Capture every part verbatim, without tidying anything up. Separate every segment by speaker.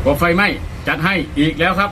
Speaker 1: ก็ไฟไหม้จัดให้อีกแล้วครับ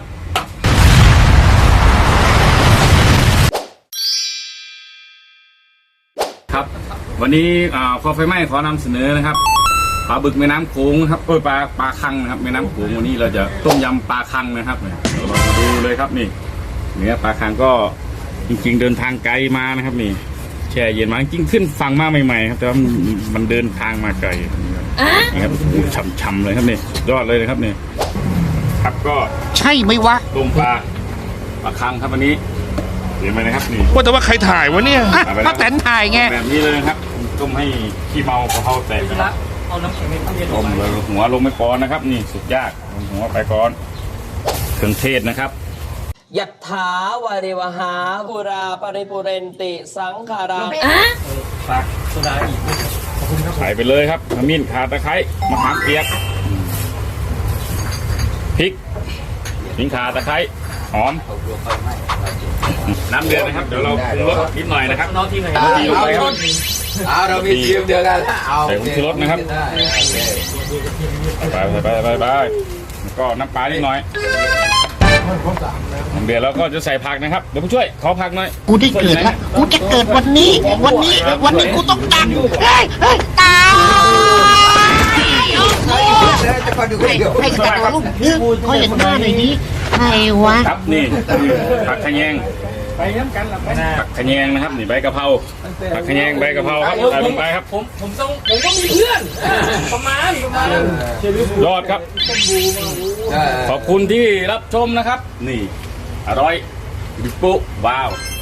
Speaker 1: ครับวันนี้พอไฟไหม้ขอนำเสนอนะครับปลาบึกแม่น้ำโขงครับเออปลาปลาคังนะครับแม่น้ำโขงวันนี้เราจะต้มยำปลาคังนะครับเรามาดูเลยครับนี่เนื้อปลาคังก็จริงๆเดินทางไกลมานะครับนี่แช่เย็นมาจริงขึ้นฝั่งมาใหม่ๆครับแต่ว่ามันเดินทางมาไกลนะครับช่ำๆเลยครับนี่ยอดเลยนะครับนี่ครับก็
Speaker 2: ใช่ไหมวะ
Speaker 1: ต้มปลาปลาคังครับวันนี้เห็นไหมนะครับนี่
Speaker 2: ว่าแต่ว่าใครถ่ายวะเนี่ยป้าแตนถ่ายไง
Speaker 1: แบบนี้เลยครับต้มให้ขี้เมากระเพราแตกนะครับเอาน้ำแข็งไปต้มเลยหัวลงไปก่อนนะครับนี่สุดยากหัวไปก่อนเครื่องเทศนะครับ
Speaker 3: ยัตถาวาริวหาบุราปริปุเรนติสังขารา
Speaker 1: ฝากโซดาอีกใส่ไปเลยครับขมิ้นข่าตะไคร้มะขามเปียกพริกขิงข่าตะไคร้หอมน้ำเดือดนะครับเดี๋ยวเราปรุงรสนิดหน่อยนะครับน้องที่ไหน
Speaker 4: เอาเรามีทีมเดียวกันเอา
Speaker 1: ใส่ผงชูรสนะครับไปไปไปไปไปก็น้ำปลานิดหน่อยเดี๋ยวเราก็จะใส่ผักนะครับเดี๋ยวผู้ช่วยขอผักหน่อย
Speaker 2: กูได้เกิดแล้วกูจะเกิดวันนี้วันนี้วันนี้กูต้องดังเฮ้ยเฮ้ยตายให้กระโดดลูกนึกเขาเห็นหน้าหน่อยนี้ใครวะ
Speaker 1: ครับนี่ผักขะแยงไปน้ำกันผักขะแยงนะครับนี่ใบกะเพราผักขะแยงใบกะเพราครับใส่ลงไปครับ
Speaker 3: ผมผมต้องผมก็มีเพื่อนประมาณประมาณ
Speaker 1: ยอดครับขอบคุณที่รับชมนะครับนี่อร่อยบิ๊กปุ๊ว้าว